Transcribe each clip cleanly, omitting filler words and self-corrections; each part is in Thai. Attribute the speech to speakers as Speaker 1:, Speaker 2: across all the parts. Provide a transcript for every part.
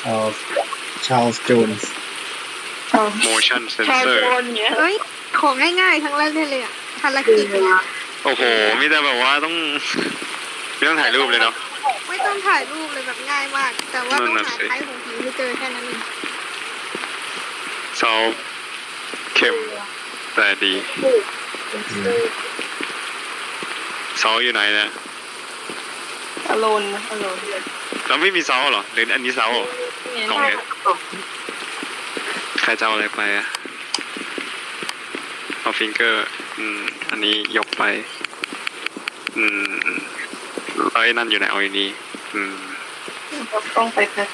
Speaker 1: เอ่อชาร์ลส์โจนส์
Speaker 2: motion
Speaker 3: ชาว
Speaker 2: sensor
Speaker 3: โจนเนี้ย
Speaker 4: เอ้ยของง่ายๆทั้งนั้นเลยอ่ะภารกิจเนี่ย
Speaker 2: โอ้โหมีแต่แบบว่าต้องไม่ต้องถ่ายรูปเลยเนาะ
Speaker 4: ไม่ต้องถ่ายรูปเลยแบบง่ายมาก แต่ว่าต้อง
Speaker 2: นั่น
Speaker 4: หา
Speaker 2: น่ะสิ
Speaker 4: ท้ายของผีให้เจอแค่นั้นเอง
Speaker 2: ซอลเข้มแต่ดีซอลอยู่ไหนเนี่ย
Speaker 3: อโลนอโลน
Speaker 2: เราไม่มีซอลเหรอหรืออันนี้ซอลเหรอ กล่องเนี่ย ใครจะเอาอะไรไปอะเอาฟิงเกอร์อันนี้ยกไปแล้วไอ้นั่นอยู่ไหนเอาอยู่นี่
Speaker 3: ต้องไปแพ็ค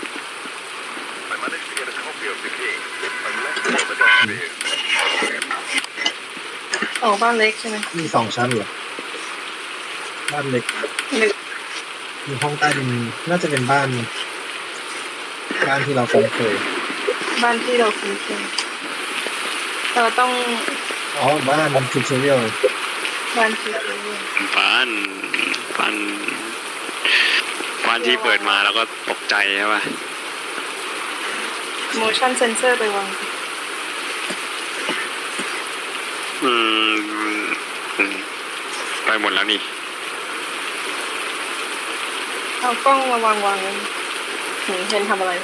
Speaker 3: อ๋อบ้านเล็กใช่ไหม
Speaker 1: มี2 ชั้นเหรอบ้านเล็ก
Speaker 3: หนึ่ง
Speaker 1: มีห้องใต้ดินน่าจะเป็นบ้านที่เราคุ้นเคย
Speaker 3: บ้านที่เราคุ้นเคยเราต้อง
Speaker 1: อ๋อบ้านมันทูทอเรียล
Speaker 3: บ้านที่เรา
Speaker 2: บ้านที่เปิดมาแล้วก็ตกใจใช่ป่ะ
Speaker 3: motion sensor ไปวาง
Speaker 2: ไปหมดแล้วนี่
Speaker 3: เอากล้องมาวางเห็นทำอะไร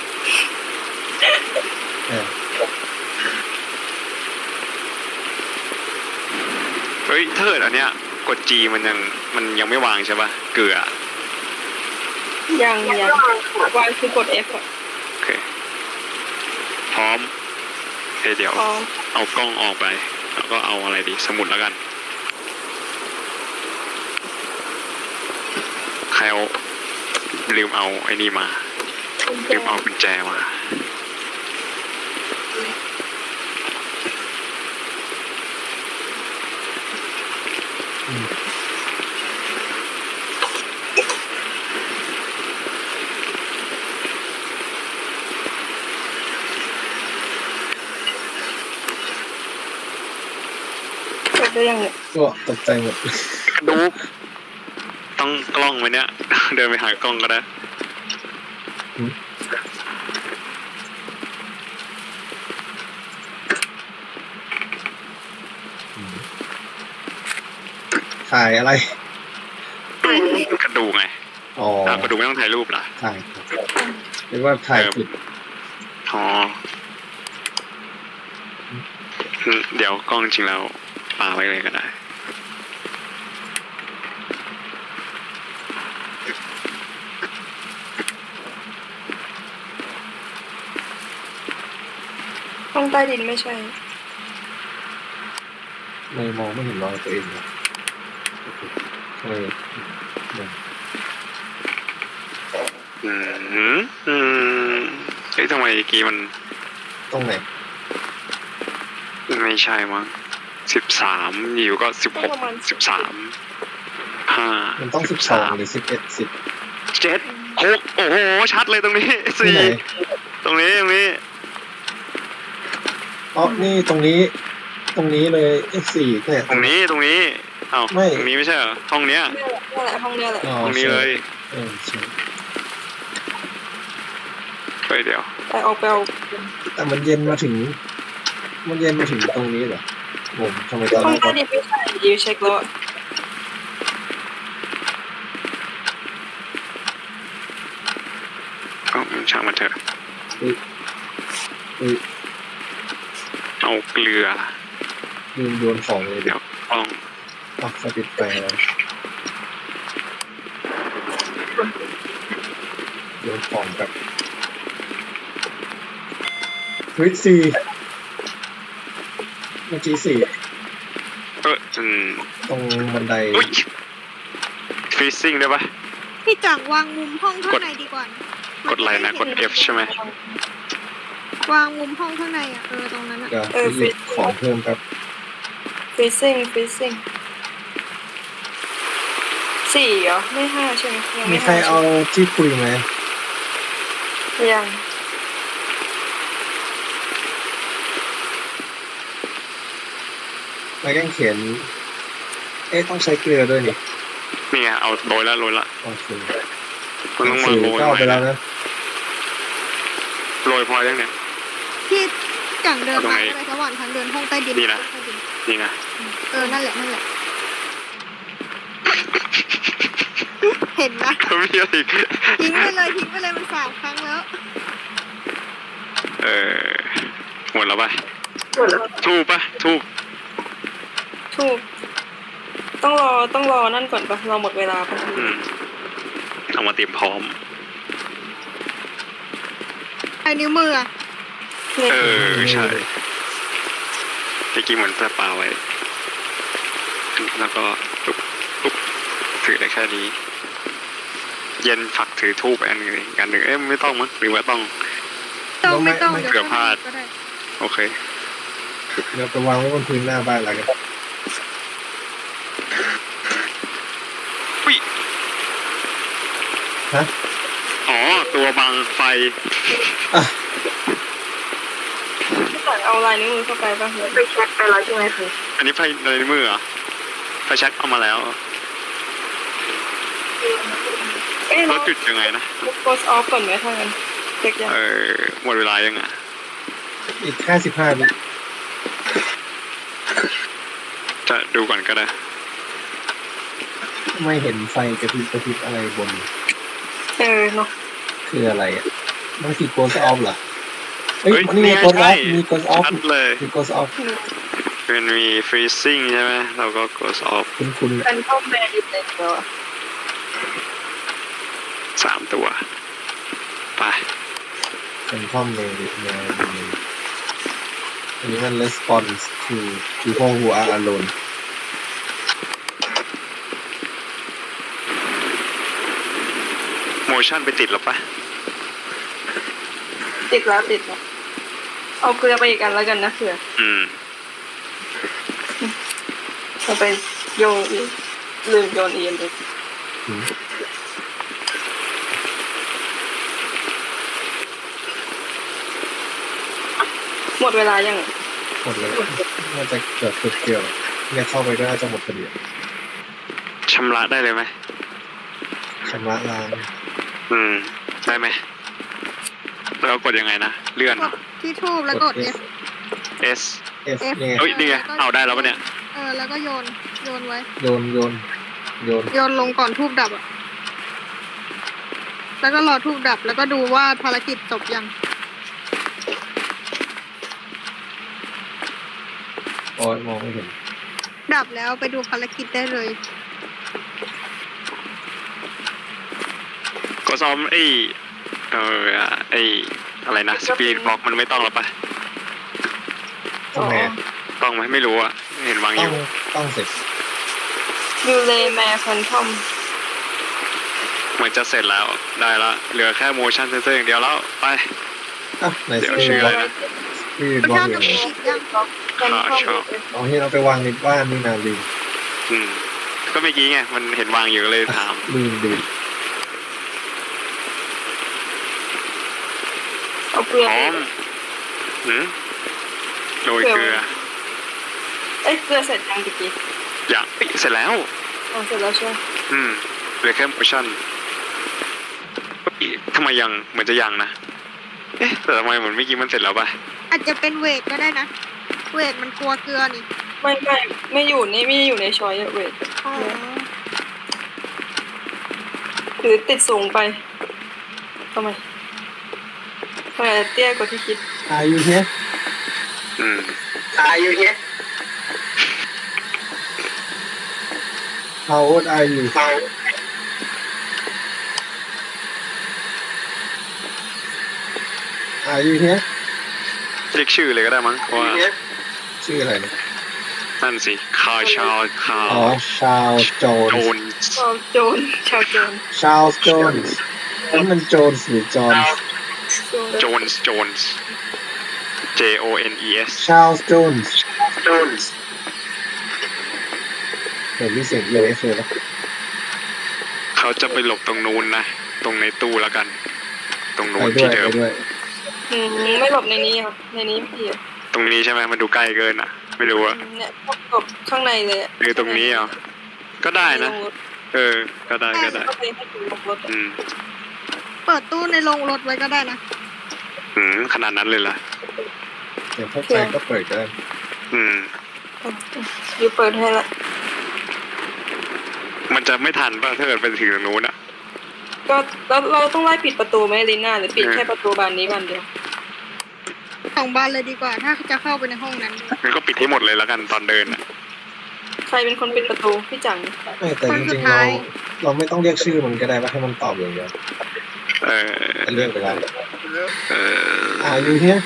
Speaker 2: เฮ้ยถ้าเกิดอันเนี้ยกด G มันยังไม่วางใช่ป่ะเกลือ
Speaker 3: ยังวางคือกด F อ่ะ
Speaker 2: โอเคพร้อมเดี๋ยว
Speaker 3: อ๋อ
Speaker 2: เอากล้องออกไปแล้วก็เอาอะไรดีสมุดแล้วกันใครเอาลืมเอาไอ้นี่มาลืมเอากุญแจมา
Speaker 3: กดได้ยังเนี่ย
Speaker 1: ก็ตกใจหมด
Speaker 2: ดูต้องกล้องไหมเนี่ย เดินไปหากล้องก็ได้
Speaker 1: ถ่ายอะไร
Speaker 2: กระดูกไง
Speaker 1: อ๋อก
Speaker 2: ระดูกไม่ต้องถ่ายรูปเหรอ
Speaker 1: ถ่ายเรียกว่าถ่ายผิด
Speaker 2: อ๋อเดี๋ยวกล้องจริงแล้วปาไว้เลยก็ได้
Speaker 3: ห้องใต้ดินไม่ใช่
Speaker 1: ไม่มองไม่เห็นรอยตัวเองเลยทำไมเนี่ย
Speaker 2: เฮ้ยทำไมเมื่อกี้มัน
Speaker 1: ตรงไหน
Speaker 2: ไม่ใช่มั้ง13อยู่ก็16 13 5
Speaker 1: มันต้อง12หรือ11 10
Speaker 2: 7 6โอ้โหชัดเลยตรงนี้
Speaker 1: ที่ไหน
Speaker 2: 4ตรงนี้
Speaker 1: อ๋อนี่ตรงนี้เลย4เนี่ย
Speaker 2: ตรงนี้เอ้า
Speaker 1: ไม่
Speaker 2: ตรงนี้ไม่ใช่เหรอห้องเนี้ย
Speaker 3: นี่แหละห้องเนี้ยแหละ
Speaker 1: อ๋อ
Speaker 2: ห้องนี้เลย
Speaker 1: ใช่
Speaker 2: ไปเดี๋ยว
Speaker 3: ไปเอา
Speaker 1: แต่มันเย็นมาถึงตรงนี้เหรอผมทำไมตอน
Speaker 3: ห้อ
Speaker 1: แรง ก
Speaker 3: ใต้ดินไม่ใช่ยิวเช็คแล้วอะ
Speaker 2: ก็ช่างมันเถอะ
Speaker 1: อุ๊ย
Speaker 2: เอาเกลือ
Speaker 1: ลืมโยนของเลย
Speaker 2: เดี๋ยวกล้อง
Speaker 1: ปักสปิดไฟแล้วโยนของแบบเฮ้ย4เมื่อกี้ตรงบันได
Speaker 2: อุ้ยฟรีซิ่งได้ปะ
Speaker 4: พี่จังวางมุมห้องข้างในดีกว่านะ
Speaker 2: กดอะไรนะกด F ใช่ไหม
Speaker 4: วางมุมห้องข้างในอ่ะตรงนั้นอ่ะ
Speaker 1: เดี๋ยวไปหยิบของเพิ่มครับ
Speaker 3: freezing 4เหรอไม่5ใช่ไหมยัง
Speaker 1: มี
Speaker 3: ไม่
Speaker 1: ใคร
Speaker 3: 5
Speaker 1: เอาที่คุยไหม
Speaker 3: ยัง
Speaker 1: ไม้กางเขนต้องใช้เกลือด้วยนี่
Speaker 2: นี่ไงเอาโรยละ
Speaker 1: โอเค
Speaker 2: มันต้องมา
Speaker 1: สื่อ
Speaker 2: โรย
Speaker 1: ก็
Speaker 2: ห
Speaker 1: เอา
Speaker 2: น่
Speaker 1: ไป
Speaker 2: อย
Speaker 1: แล้ว
Speaker 2: นะ
Speaker 1: นะ
Speaker 2: โรยพอยังเนี่ย
Speaker 4: ที่จังเดิน
Speaker 2: เอาตรง
Speaker 4: มา
Speaker 2: ไหน
Speaker 4: เลยระหว่างทางเดินห้องใต้ดิน
Speaker 2: นี่นะ
Speaker 4: ใต้ดิน
Speaker 2: นี่นะ
Speaker 4: นั่นแหละนั่นแหละ เห็นนะ
Speaker 2: ก็มีอะไรอีก
Speaker 4: ทิ้งไปเลยมัน3 ครั้งแล้ว
Speaker 2: หมดแล้วปะ
Speaker 3: หมดแล้ว
Speaker 2: ทูบปะทูบ
Speaker 3: ถูกต้องรอนั่นก่อนปะรอหมดเวลาปะ
Speaker 2: เอามาเตรียมพร้อม
Speaker 4: ไอ้นิ้วมืออะ
Speaker 3: เนี่ย
Speaker 2: ใช่เมื่อกี้เหมือนจะปาไว้ แล้วก็ปุ๊บถือได้แค่นี้ เย็นฝักถือทูบอันหนึ่งอีกอันหนึ่งไม่ต้องมั้งหรือว่าต้อง
Speaker 4: ไม่ต้อง
Speaker 2: เกือบพลาด
Speaker 4: ก็ได้
Speaker 2: โอเค
Speaker 1: เดี๋ยวไปวางไว้บนพื้นหน้าบ้านแล้วกัน
Speaker 2: อุ้ย
Speaker 1: ฮะ
Speaker 2: อ๋อ ตัวบังไฟ
Speaker 1: อ่ะ
Speaker 3: พี่ก่อนเอาลายนิ้วมือเข้าไปปะไปเช็คไปแล้วใช่ไหมคะ
Speaker 2: อันนี้ไฟในมือเหรอไฟแช็กเอามาแล้ว
Speaker 3: เอ๊ะ
Speaker 2: แล้
Speaker 3: เรา
Speaker 2: วจุดยังไงนะ
Speaker 3: โพสออฟก่อนไหมถ้างั้นเช็คยัง
Speaker 2: หมดเวลายังอ่ะ
Speaker 1: อีก55 วิ
Speaker 2: จะดูก่อนก็ได้
Speaker 1: ไม่เห็นไฟกระพริบอะไรบน
Speaker 3: เนาะ
Speaker 1: คืออะไรอ่ะมันคือ Ghost Off เหรอเฮ้ย
Speaker 2: เฮ้ย
Speaker 1: นี่ไง
Speaker 2: นี่ไง
Speaker 1: Ghost
Speaker 2: ใช่
Speaker 1: Off มี Ghost Off
Speaker 2: ชัดเลย
Speaker 1: มี Ghost Off
Speaker 2: เป็นมี freezing ใช่ไหมเราก็ close off
Speaker 1: คุณ
Speaker 3: เป็นข้อแม่ดิบเลยเดียว
Speaker 2: 3 ตัว ไป
Speaker 1: เป็นข้อมเลยอันนี้มัน response to people who are alone
Speaker 2: motion ไปติดหรอปะ
Speaker 3: ติดแล้วเอาเกลือไปอีกอันแล้วกันนะเผื่อ เอาไปโยนลืมโยนเอียนเลย
Speaker 1: อืม
Speaker 3: หมดเวลายัง
Speaker 1: หมดเลยน่าจะเกือบเกี่ยวเนี่ยเข้าไปก็น่าจะหมดพอดี
Speaker 2: ชำระได้เลยไหม
Speaker 1: ชำระล้าง
Speaker 2: ได้ไหมแล้วกดยังไงนะ เลื่อน
Speaker 4: กดที่ทูบแล้วกด F
Speaker 2: S
Speaker 1: F นี่ไง
Speaker 2: เอ้ยนี่ไงเอาได้แล้วปะเนี่ย
Speaker 4: แล้วก็โยนไว้
Speaker 1: โยน
Speaker 4: โยนลงก่อนทูบดับอ่ะ แล้วก็รอทูบดับ แล้วก็ดูว่าภารกิจจบยัง
Speaker 1: โอ้ยมองไม่เห็น
Speaker 4: ดับแล้วไปดูภารกิจได้เลย
Speaker 2: ก็ซ้อมอะไรนะสปีดบล็อกมันไม่ต้องหรอปะ
Speaker 1: ต้องไง
Speaker 2: ต้องไหมไม่รู้อะเห็นวางอยู่
Speaker 1: ต้องเสร็จ
Speaker 3: ยูเลแมร์ฟันทอม
Speaker 2: เหมือนจะเสร็จแล้วได้ละเหลือแค่ motion sensor อย่างเดียวแล้วไป
Speaker 1: อ่ะไหน
Speaker 2: เดี๋ยว
Speaker 1: สปี
Speaker 2: ชื่
Speaker 1: ด
Speaker 2: อบ
Speaker 1: ล็
Speaker 2: อะ
Speaker 1: อก
Speaker 2: ไรนะ
Speaker 1: สปีด
Speaker 4: มัน
Speaker 1: บล็อก
Speaker 4: ชอบ
Speaker 1: อยู่
Speaker 4: จะ
Speaker 1: ไหน
Speaker 4: มีอีกยัง
Speaker 3: ฟันทอม
Speaker 2: ชอบ
Speaker 1: เอาที่เราไปวางในบ้านนี่นาลืม
Speaker 2: ก็เมื่อกี้ไงมันเห็นวางอยู่ก็เลยถาม
Speaker 1: ลืม
Speaker 3: เอาเกลือ
Speaker 2: พร้อมโรยเกลือ
Speaker 3: เกลือเสร็จยังตะกี้
Speaker 2: อย่างเสร็จแล้ว
Speaker 3: เสร็จแล้วใช่ไหม
Speaker 2: เหลือแค่ motion ทำไมยังเหมือนจะยังนะแต่ทำไมเหมือนเมื่อกี้มันเสร็จแล้วปะ
Speaker 4: อาจจะเป็นเวทก็ได้นะ เวทมันกลัวเกลือนี่
Speaker 3: ไม่อยู่ในช้อยเวท
Speaker 4: อ๋อ
Speaker 3: หรือติดสูงไปทำไมเตี้ยกว่าที่คิด
Speaker 1: Are you here
Speaker 3: Are you here
Speaker 1: How old are you Are you here
Speaker 2: เรียกชื่อเลยก็ได้มั้งเพราะว่า
Speaker 1: ชื่ออะไรเนี่ย
Speaker 2: นั่นสิคาชาว
Speaker 1: อ๋อชาวโจน
Speaker 2: โจน
Speaker 3: ชาวโจร
Speaker 1: ชาวโจนนั่นมันโจนหรือจอน
Speaker 2: โจนส์ JONES
Speaker 1: ชาวโจนเห็นมีเสียง EMF เลยปะ
Speaker 2: เขาจะไปหลบตรงนู้นนะ ตรงในตู้แล้วกัน ตรงนู้
Speaker 1: ไป
Speaker 2: น
Speaker 1: ด้ว
Speaker 2: ที่
Speaker 1: ย
Speaker 2: เดิม
Speaker 3: ไม่หลบในนี้ครับในนี้พี่
Speaker 2: ตรงนี้ใช่ไหมมันดูใกล้เกินอ่ะ ไม่รู้อะ
Speaker 3: เนี่ยหลบข้างในเลย
Speaker 2: หรือตรงนี้เหรอก็ได้นะ ก็ได้
Speaker 3: ก็ไปให้ถึงลงรถ
Speaker 4: เปิดตู้ในโรงรถไว้ก็ได้นะ
Speaker 2: ขนาดนั้นเลยเหรอ
Speaker 1: เดี๋ยวเข้าใจก็เปิดกัน
Speaker 2: อืม
Speaker 3: ยูเปิดให้ละ
Speaker 2: มันจะไม่ทันป่ะถ้าเกิดไปถึงตรงนู้นอะ
Speaker 3: ก็เราต้องไล่ปิดประตูไหมลีน่าหรือปิดแค่ประตูบานนี้บานเดียว
Speaker 4: สองบานเลยดีกว่า ถ้าจะเข้าไปในห้องนั้น
Speaker 2: งั้นก็ปิดให้หมดเลยแล้วกันตอนเดินอะ
Speaker 3: ใครเป็นคนปิดประตูพี่จัง
Speaker 1: ไม่แต่จริงๆเราไม่ต้องเรียกชื่อมันก็ได้ว่าให้มันตอบอย่างเดียว
Speaker 2: เออ
Speaker 1: แต่เรียกไปแล้ว
Speaker 2: เออ
Speaker 1: อยู่เฮีย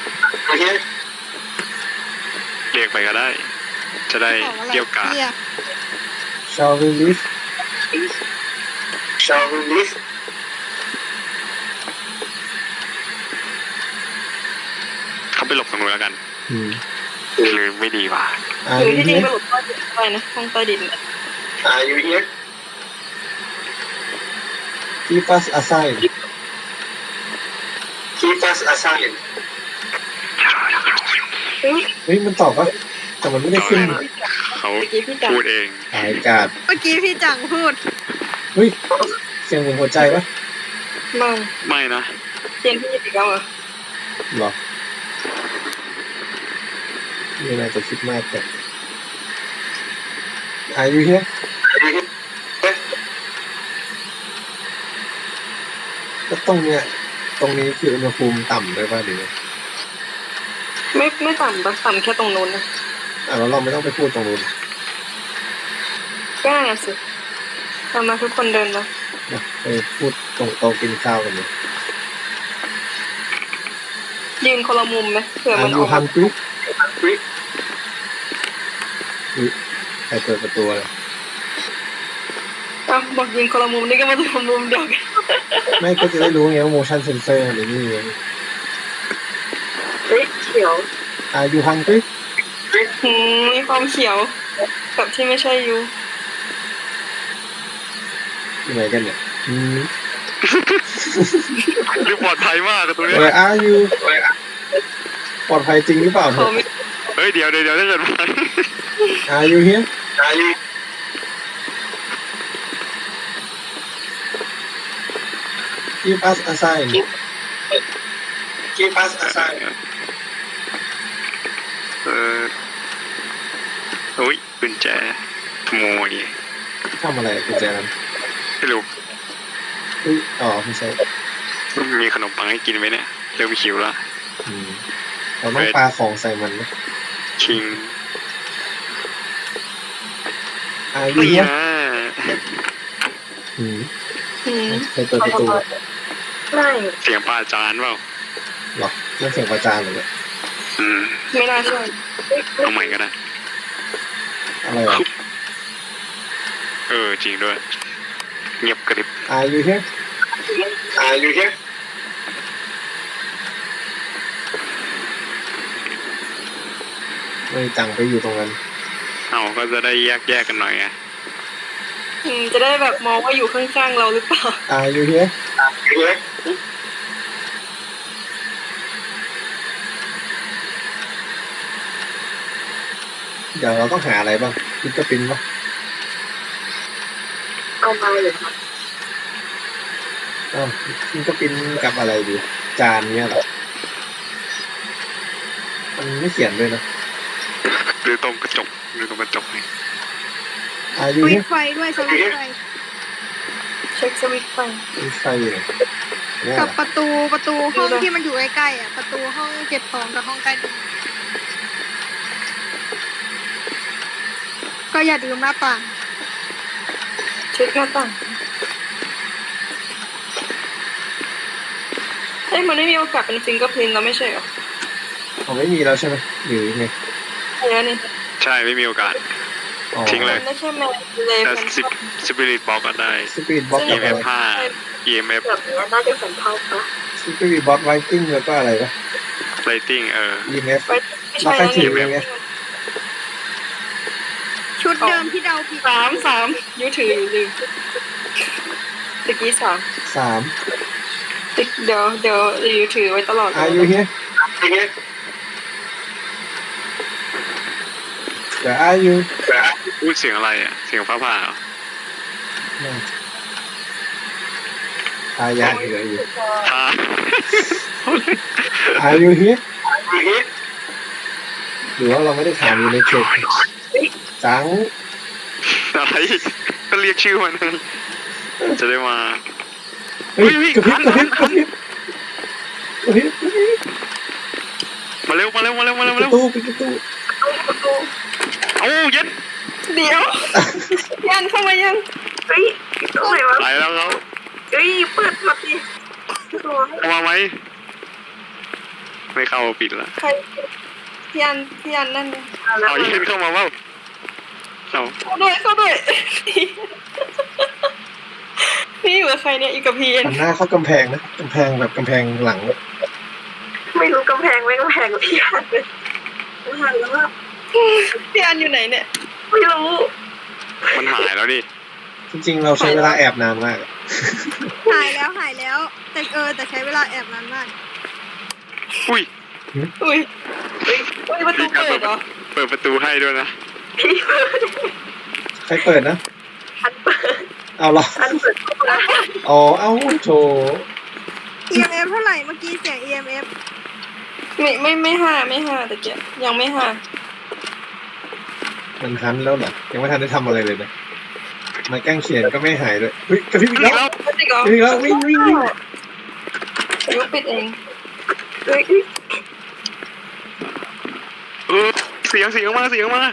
Speaker 2: เรียกไปก็ได้ จะได้
Speaker 4: บอกอะไร
Speaker 2: เกี่ยวกาด
Speaker 4: เนี่ย
Speaker 1: shall we leave
Speaker 2: เขาไปหลบตรงนู้นแล้วกัน
Speaker 1: อืม
Speaker 2: หรือไม่ดีวะ
Speaker 3: หรือ
Speaker 1: you
Speaker 3: ที่จริง
Speaker 1: here
Speaker 3: ไปหลบใต้ดินไปนะห้องใต้ดินน่ะ
Speaker 1: keep us aside
Speaker 3: เฮ้ย
Speaker 1: เฮ้ยมันตอบปะแต่มันไม่ได้ขึ้น
Speaker 2: เขา
Speaker 3: เมื่อกี้พี่จัง
Speaker 2: พูดเอง
Speaker 1: หายกาด
Speaker 4: เมื่อกี้พี่จังพูด
Speaker 1: เฮ้ยเสียงเหมือนหัวใจปะ
Speaker 3: ไม่
Speaker 2: ไม่นะ
Speaker 3: เจนพี่หยิบอีกแล้วเหรอ
Speaker 1: หรอไม่น่าจะคิดมากแต่ you here ก็ตรงเนี้ยตรงนี้คืออุณหภูมิต่ำด้วยป่ะหรือไง
Speaker 3: ไม่ต่ำปะต่ำแค่ตรงนู้นนะ
Speaker 1: แล้วเราไม่ต้องไปพูดตรงนู้น
Speaker 3: ก็นั่นน่ะสิเอามาทุกคนเดินมา
Speaker 1: นะไปพูดตรงโต๊ะกินข้าวกันเลย
Speaker 3: ยืนคนละมุมไหมเผื่อมันอ
Speaker 1: you
Speaker 3: อกมา
Speaker 1: hungry อุ๊ยใครเปิดประตูเลย
Speaker 3: อ้าวบอกยืนคนละมุมนี่ก็มาคนละมุมเดียวกัน
Speaker 1: ไม่ก็จะได้รู้ไงว่า motion sensor หรือนี่ไง
Speaker 3: เฮ้ยเขียว
Speaker 1: you hungry
Speaker 3: มีความเขียวกับที่ไม่ใช่ยู
Speaker 1: อยู่ไหนกันเนี่ย
Speaker 2: ดูปลอดภัยมากกับตรงนี้
Speaker 1: Where are you ปลอดภัยจริงหรือเปล่า
Speaker 3: เขาไม่
Speaker 2: เฮ้ยเดี๋ยวถ้าเกิดว่า
Speaker 1: Are you here Give us a sign
Speaker 2: อุ้ยกุญแจขโมย
Speaker 1: ทำอะไรกุญแจนั้น
Speaker 2: ไม่รู้
Speaker 1: อุ๊ยอ๋อไม่ใช่
Speaker 2: มีขนมปังให้กินไหมเนี่ยเริ่มหิวแล้ว
Speaker 1: อืมเราต้องปาของใส่มันนะ
Speaker 2: ชิง
Speaker 1: Are you
Speaker 2: ไม่
Speaker 1: here
Speaker 2: นะ
Speaker 1: อืม
Speaker 3: อืม
Speaker 1: ใครเปิดประตู
Speaker 3: ไม่
Speaker 2: เสียงปลาจานเปล่า
Speaker 1: หรอนั่นเสียงประจานเลยเนี่ย
Speaker 2: อืม
Speaker 3: ไม่น่าใช่
Speaker 2: เอาใหม่ก็ได้
Speaker 1: อะไรวะ
Speaker 2: จริงด้วย เงียบกริบ
Speaker 1: Are you here ไม่จังไปอยู่ตรงนั้น
Speaker 2: เอาก็จะได้แยกกันหน่อยไง
Speaker 3: จะได้แบบมองว่าอยู่ข้างๆเราหรือเปล่า
Speaker 1: Are you here เดี๋ยวเราต้องหาอะไรบ้างพิกเกอร์ปินปะ
Speaker 3: เอามาเลยค่ะ
Speaker 1: อ้าวพิกเกอร์ปินกับอะไรดี จานเนี้ยเหรอ มันไม่เขียนด้วยนะ
Speaker 2: หรือตรงกระจกนี่
Speaker 1: Are you
Speaker 4: วิ
Speaker 1: here
Speaker 4: ไฟด้วยสวิตช์ไฟ
Speaker 3: เช็คสวิตช์ไฟ
Speaker 1: มีไฟอยู่เนี่ยเนี่ย
Speaker 4: กับ
Speaker 1: เหรอ
Speaker 4: ประตูห้องที่มันอยู่ใกล้ๆอ่ะ ประตูห้องเก็บของกับห้องใต้ดินก็อย่าลืมหน้าต่าง
Speaker 3: เช็คหน้าต่างเอ้ยมันไม่มีโอกาสเป็นฟิงเกอร์พรินท์แล้วไม่ใช่เหรอ
Speaker 1: เขาไม่มีแล้วใช่ไหมหรือไง
Speaker 3: ใช่แล้วนี่
Speaker 2: ใช่ไม่มีโอกาส
Speaker 1: อ๋อ
Speaker 2: ทิ้งเลย
Speaker 3: มันไม่ใช่แมวเลย
Speaker 2: แต่
Speaker 3: เป็น
Speaker 2: สปิริตบอกก็ได้
Speaker 1: สปีดบ็อกกับอะไร
Speaker 2: EMF 5 EMF
Speaker 3: แบบนี้น่าจะสัมพันธ์ปะ
Speaker 1: สปีดบ็อกไวกิ้งแล้วก็อะไรปะ
Speaker 2: rating
Speaker 1: EMF
Speaker 3: ไม่ใช่แล้ว
Speaker 1: แล้วใครถื
Speaker 3: นี่
Speaker 1: อไง
Speaker 4: ชุดเดิมที่เดาผิด
Speaker 3: สามยูถืออยู่ลืมตะกี้สาม เดี๋ยวยูถือไว้ตลอด
Speaker 1: Are you here Where are you
Speaker 2: พูดเสียงอะไรอ่ะ เสียงฟ้าผ่าเหรอ
Speaker 1: พายาเหลืออยู่
Speaker 2: ผ่า
Speaker 1: Are you here หรือว่าเราไม่ได้ถามอยู่ในเขตจัง
Speaker 2: อะไรก็เรียกชื่อมันไงจะได้มา
Speaker 1: เฮ้ยกระพริบกระพริบกระพริบกระพริบ
Speaker 2: มาเร็วมาเร็วมาเร็วมาเร็ว
Speaker 1: ป
Speaker 2: มาเร็
Speaker 1: ระ
Speaker 2: ว
Speaker 1: ตูปิดประตู
Speaker 2: เอาเย็น
Speaker 3: เดี๋ยวยันเข้ามายัง
Speaker 5: เฮ้ยตรงไหนวะ
Speaker 2: ไปแล้วครับ
Speaker 5: เฮ้ยเปิดมาดิตัว
Speaker 2: เข้ามาไหมไม่เข้าปิดละ
Speaker 3: ใครพี่ยันนั่นไง
Speaker 5: แล้ว
Speaker 2: เอาเย็นเข้ามาเปล่าเอา
Speaker 3: เข้าด้วยนี่อยู่กับใครเนี่ยอยู่กับพี่เอ็น
Speaker 1: หันหน้าเข้ากำแพงนะกำแพงแบบกำแพงหลัง
Speaker 5: ไม่รู้กำแพงไม่กำแพงกับพี่หันเลยหันแล้วว่า
Speaker 3: พี่ยันอยู่ไหนเนี่ย
Speaker 5: ไม่รู้
Speaker 2: มันหายแล้วดิ
Speaker 1: จริงๆเราใช้เวลาแอบนานมาก
Speaker 4: หายแล้วแต่ใช้เวลาแอบนานมาก
Speaker 2: อุ้ย
Speaker 3: อุ้ยประตูเปิดเหรอ
Speaker 2: เปิดประตูให้ด้วยนะ
Speaker 5: พี่เปิด
Speaker 1: ใครเปิดนะ
Speaker 5: อันเปิด
Speaker 1: เอาเหรอ
Speaker 5: อันเปิดเข้ามา
Speaker 1: อ๋อเอาโถ
Speaker 4: EMF เท่าไหร่เมื่อกี้เสียง EMF
Speaker 3: ไม่ห้าแต่เกียยังไม่ห้า
Speaker 1: มันทันแล้วเหรอยังไม่ทันได้ทำอะไรเลยนะไม้กางเขียนก็ไม่หายด้วยเฮ้ยกระพริบอีกแล้ว
Speaker 3: จริงเหรอ
Speaker 1: อีกแล้ววิ่ง
Speaker 3: ยุปิดเอง
Speaker 5: เฮ้ย
Speaker 2: เสียงมา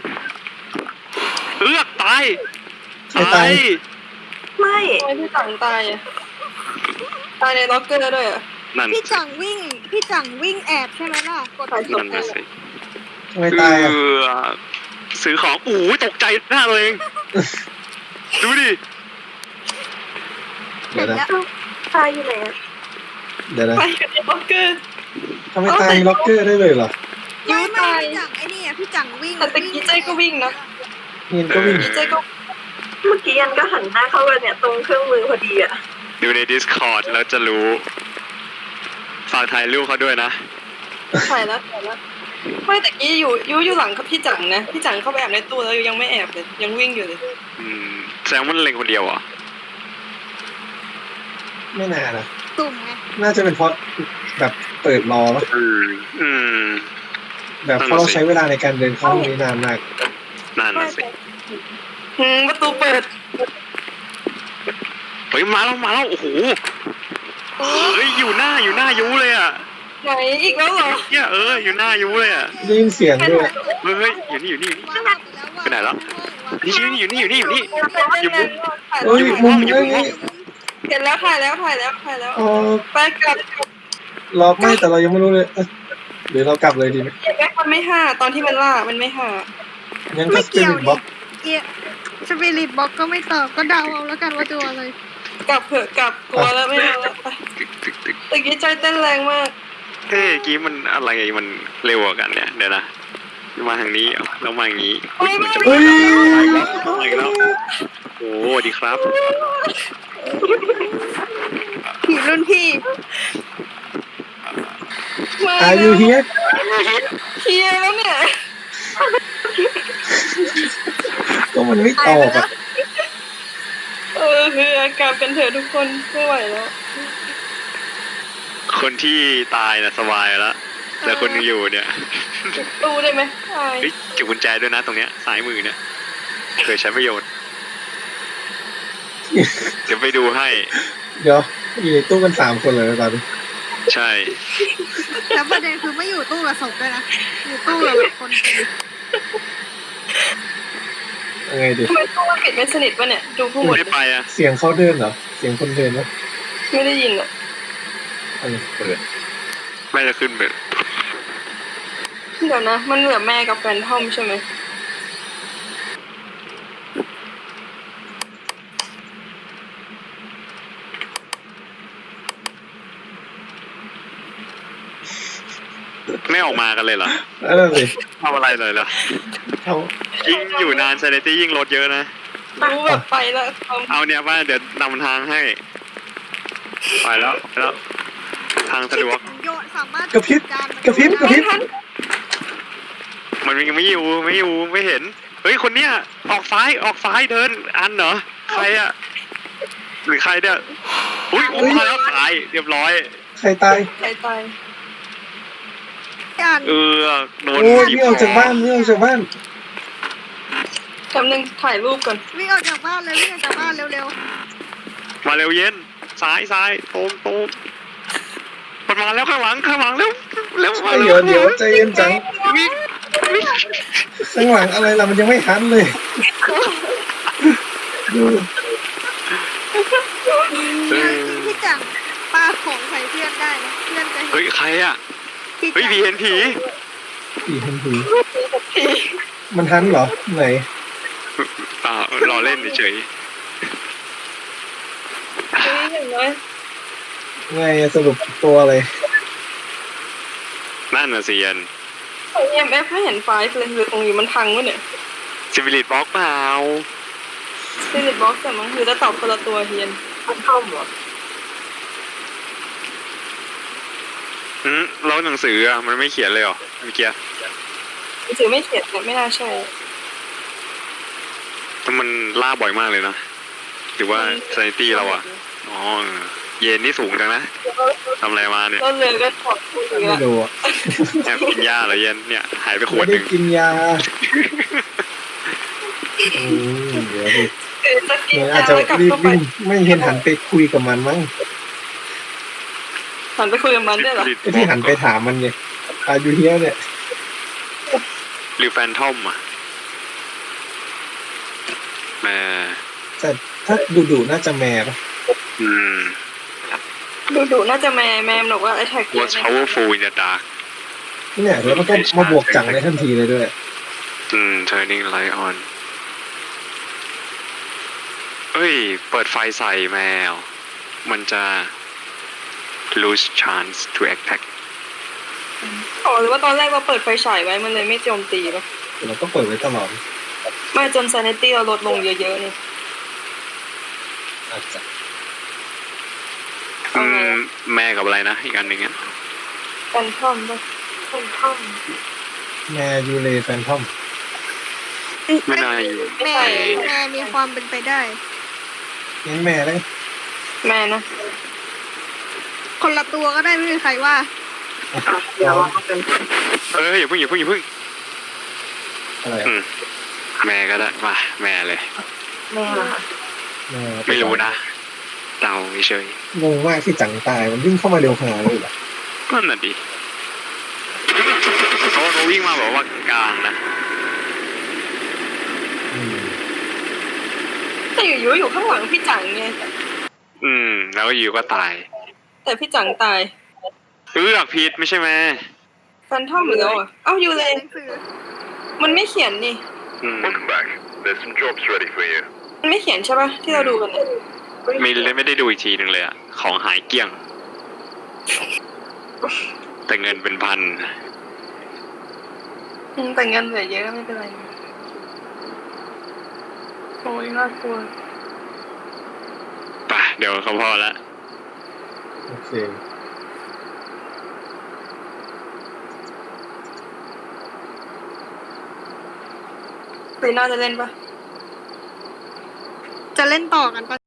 Speaker 2: ตาย
Speaker 1: ใครตาย
Speaker 5: ไม่
Speaker 3: ทำไมพี่จังตายอ่ะตายในล็อกเกอร์ด้วยอ่ะ
Speaker 2: นั่น
Speaker 4: พี่จังวิ่งแอบใช่ไหมล่ะกด
Speaker 2: นั่นนะสิ
Speaker 1: ทำไมตายอ่ะ
Speaker 2: ซื้อของตกใจหน้าตัวเอง ดูดิ
Speaker 1: เดี๋ยวนะ
Speaker 5: ตายอยู่ไหนอะ
Speaker 1: เดี๋ยวนะ
Speaker 3: ไปอยู่ในล็อกเกอร์
Speaker 1: ทำไมตายในล็อกเกอร์ได้เลยเหรอ
Speaker 4: ไม่พี่จังไอ้นี่พี่จังวิ่ง
Speaker 3: แต่ตะกี้เจ๊ก็วิ่งนะ
Speaker 1: เงินก็วิ่ง
Speaker 3: เจ๊ก็
Speaker 5: เมื่อกี้ยันก็หันหน้าเข้ากันเนี่ยตรงเครื่องมือพอดีอะ
Speaker 2: ดูใน Discord แล้วจะรู้ ฝากถ่ายรูปเขาด้วยนะ
Speaker 3: ถ่ายแล้วไม่ตะกี้อยู่หลังกับพี่จังนะพี่จังเข้าไปแอบในตู้แล้วยังไม่แอบเลยยังวิ่งอยู่เลย
Speaker 2: แสดงว่ามันเล็งคนเดียวเหรอ
Speaker 1: ไม่น่านะ
Speaker 4: ตุ่มไง
Speaker 1: น่าจะเป็นเพราะแบบเปิดรอปะ
Speaker 2: อืม
Speaker 1: แบบเพราะเราใช้เวลาในการเดินเข้าห้องนี้นานมาก
Speaker 2: นั่นน่ะสิ
Speaker 3: ประตูเปิด
Speaker 2: เฮ้ยมาแล้วโอ้โหเฮ้ยอยู่หน้ายูเลยอ่ะ
Speaker 3: ไหนอีกแล้วเหรอ
Speaker 2: เนี่ยอยู่หน้ายูเลยอ่ะ
Speaker 1: ได้ยินเสียงด้วย
Speaker 2: เฮ้ยอยู่นี่ ไปไหนแล้ว นี่อยู่นี่อยู่มุม
Speaker 1: เฮ้ยมุมเอ้ย
Speaker 3: เห็นแล้วถ่ายแล้ว
Speaker 1: อ๋อ
Speaker 3: ไปกลับ
Speaker 1: รอไม่แต่เรายังไม่รู้เลยหรือเรากลับเลยดีไหม
Speaker 3: แบ็คมันไม่ห้าตอนที่มันล่ามันไม่ห้า
Speaker 1: งั้นก็
Speaker 4: ไม่
Speaker 1: สปิ
Speaker 4: เกี่ยว
Speaker 1: ริตบ็อก
Speaker 4: สปิริตบ็อกก็ไม่ตอบก็เดาเอาแล้วกันว่าตัวอะไร
Speaker 3: กลับเถอะกลับกลัวแล้วไม่เอาแล้วไปตะกี้ใจเต้นแรงมาก
Speaker 2: เฮ้ยกี้มันอะไรมันเร็วกว่ากันเนี่ยเดี๋ยวนะมาทางนี้แล้วมาอย่างนี้
Speaker 1: เฮ้ย
Speaker 2: มาอีกแล้วโอ้สวัสดีครับ
Speaker 4: ผีรุ่นพี่
Speaker 3: มา
Speaker 1: อายุเฮีย
Speaker 3: เคลียร์แล้วเนี่ย
Speaker 1: ก็มันไม่ตอบอ่ะ
Speaker 3: คือกลับกันเถอะทุกคนไม่ไหวแล้ว
Speaker 2: คนที่ตายนะสบายแล้วแต่คนยังอยู่เนี่ย
Speaker 3: ตู้ได้ไหมใช่
Speaker 2: เฮ้ยเก็บกุญแจด้วยนะตรงเนี้ยซ้ายมือเนี่ยเคยใช้ประโยชน์เดี๋ยวไปดูให้
Speaker 1: เดี๋ยวอยู่ในตู้กัน3 คนเลยตอนนี้
Speaker 2: ใช่
Speaker 4: แล้วประเด็นคือไม่อยู่ตู้กับศพด้วยนะอยู่ตู้กับแบบคนเป็น
Speaker 1: ยังไงดี
Speaker 3: ทำไมตู้มันปิดไม่สนิทวะเนี่ยดูผู้หมด
Speaker 2: ไม่ไปอ่ะ
Speaker 1: เสียงเขาเดินเหรอเสียงคนเดินวะ
Speaker 3: ไม่ได้ยินอ่ะ
Speaker 1: เปิด
Speaker 2: ไม่จะขึ้นไป
Speaker 3: เดี๋ยวนะมันเหลือแม่กับแฟนทอมใช่ไหม
Speaker 2: ไม่ออกมากันเลยเหรอ
Speaker 1: นั่นสิ
Speaker 2: ทำอะไรเลยเหรอ
Speaker 1: เขา
Speaker 2: ยิ่งอยู่นานเซเลตี้ยิ่งลดเยอะนะ
Speaker 3: รู้แบบไปแล้ว
Speaker 2: เอาเนี่ยว่าเดี๋ยวนำทางให้ไปแล้วทางสะดวก
Speaker 4: โยนสามารถ
Speaker 1: กระพริบ
Speaker 2: มันยังไม่อยู่ไม่เห็นเฮ้ยคนเนี้ยออกซ้ายเดินอันเหรอใครอะหรือใครเนี่ยอุ้ยมาแล้วตายเรียบร้อย
Speaker 1: ใครตาย
Speaker 3: ตาย
Speaker 4: อ่าน
Speaker 2: เออโดน
Speaker 1: โอ้ย
Speaker 2: บีบ
Speaker 1: นี่ออกจากบ้านนี่ออกจากบ้าน
Speaker 3: กำลังถ่ายรูปก่อน
Speaker 4: วิ่งออกจากบ้านเลยวิ่งออกจากบ้านเร็ว
Speaker 2: มาเร็วเย็นซ้ายซ้ายตรงตรงมันมาแล้วข้างหลังเร็วเร็วมา
Speaker 1: เดี๋
Speaker 2: เร็
Speaker 1: ยว วเดี๋ยวใจเย็นจัง
Speaker 2: วิ่งวิ่ง
Speaker 1: ข้างหลังอะไรล่ะมันยังไม่ทันเลยดู
Speaker 4: ๆพี่จังปาของใส่เพื่อนได้นะเพื่อนจะ
Speaker 2: เฮ้ยใครอ่ะ
Speaker 4: พี่
Speaker 2: เฮ้ย
Speaker 4: จัง
Speaker 2: ผีเห็นผี
Speaker 1: ผีทันทีมันทันเหรอไหน
Speaker 2: รอเล่นเฉย
Speaker 3: เฮ้ยอย่างน้อย
Speaker 1: ไงสรุปตัวอะไร
Speaker 2: นั่นน่ะสิยัน
Speaker 3: EMF ไม่เห็นไฟล์เลยหรือตรงนี้มันพังวะเนี่ย
Speaker 2: ซิวิลิตบล็อกเปล่า
Speaker 3: Spirit Box แต่มันคือจะตอบคนละตัวเฮียน
Speaker 5: มันท่อมเหรอ
Speaker 2: แล้วหนังสืออ่ะมันไม่เขียนเลยเหรอเมื่อกี้
Speaker 3: หนังสือไม่เขียนแต่ไม่น่าใช่
Speaker 2: แต่มันล่าบ่อยมากเลยนะหรือว่าซนิตี้เราอ่ะอ๋อเย็นนี่สูงจังนะทำอะไรมาเนี่ย
Speaker 3: แล้วเรือก็ถอดคู่เรือ
Speaker 1: ไม่รู้อะ
Speaker 2: แอบกินยาเหรอเย็นเนี่ยหายไปขว
Speaker 1: ไม่
Speaker 2: ดห
Speaker 1: ได้
Speaker 2: นึ่ง
Speaker 1: กินยาเดี๋ยวดิ
Speaker 3: จะกิน
Speaker 1: เนี่ยอาจ
Speaker 3: ยา
Speaker 1: จะ
Speaker 3: แล้วกลับ
Speaker 1: รีบ
Speaker 3: เข้าไป
Speaker 1: วิ่งไม่เห็นหันไปคุยกับมันมั้ง
Speaker 3: หันไปคุยกับมันด้วยเหรอ
Speaker 1: ไอ้ที่หันไปถามมันเนี่ยอายุเฮียเนี่ย
Speaker 2: หรือแฟนทอมอ่ะแม่
Speaker 1: แต่ถ้าดูน่าจะแม่ปะ
Speaker 2: อืม
Speaker 3: ดูน่าจะแมมบอกว่าไอ้แท็ก
Speaker 2: was powerful in the dark
Speaker 1: เนี่ยแล้วมันก็มาบวกจังในทันทีเลยด้วย
Speaker 2: turning light on เอ้ย เปิดไฟใส่แมว มันจะ lose chance to attack
Speaker 3: อ๋อหรือว่าตอนแรกเราเปิดไฟฉายไว้มันเลยไม่โจมตีป่ะ
Speaker 1: เราก็เปิดไว้ตลอด
Speaker 3: ไม่จน sanity เราลดลงเยอะๆนี่
Speaker 1: อาจจะ
Speaker 3: เอาไงอะ
Speaker 2: แม่กับอะไรนะ อีกอันหนึ่งอ่ะ
Speaker 3: กันท่อมป่ะ
Speaker 5: เป็นท่อม
Speaker 1: แม่ยูเลแฟนทอม
Speaker 2: ไม่น่าอยู่
Speaker 4: แม่มีความเป็นไปได้
Speaker 1: งั้นแม่เลย
Speaker 3: แม่นะ
Speaker 4: คนละตัวก็ได้ไม่มีใครว่า
Speaker 5: เดี๋ยวเราเป็น
Speaker 2: อย่าเพิ่ง
Speaker 1: อะไร
Speaker 2: อืมแม่ก็ได้มาแม่เลย
Speaker 5: แม่เหรอคะ
Speaker 1: แม่
Speaker 2: ไม่รู้นะเดาเฉย
Speaker 1: งงมากที่จังตายมันวิ่งเข้ามาเร็วขนาดนี้นเลยเหรอ
Speaker 2: นั่นน่ะดิเขาวิ่งมาแบบว่ากลางนะ
Speaker 1: อืม
Speaker 3: แต่อยู่ข้างหลังพี่จังไง
Speaker 2: แล้วก็อยู่ก็ตาย
Speaker 3: แต่พี่จังตาย
Speaker 2: ผิดไม่ใช่ไหม
Speaker 3: แฟนทอมหรือแล้วอ่ะเอ้าอยู่เลย
Speaker 4: หนังสือ
Speaker 3: มันไม่เขียนนี่
Speaker 6: Welcome back. There's some jobs ready for you.
Speaker 3: มันไม่เขียนใช่ป่ะที่เราดูกันเนี่ย
Speaker 2: ไม่ได้ดูอีกทีหนึ่งเลยอะของหายเกลี้ยง แต่เงินเป็นพัน
Speaker 3: แต่เงินเหลือเยอะไม่เป็นไรโอ้ยน่ากลัว
Speaker 2: ป่ะ เดี๋ยวเขาพอละ
Speaker 1: โอเค
Speaker 3: ปีหน้าจะเล่นปะ
Speaker 4: จะเล่นต่อกันปะ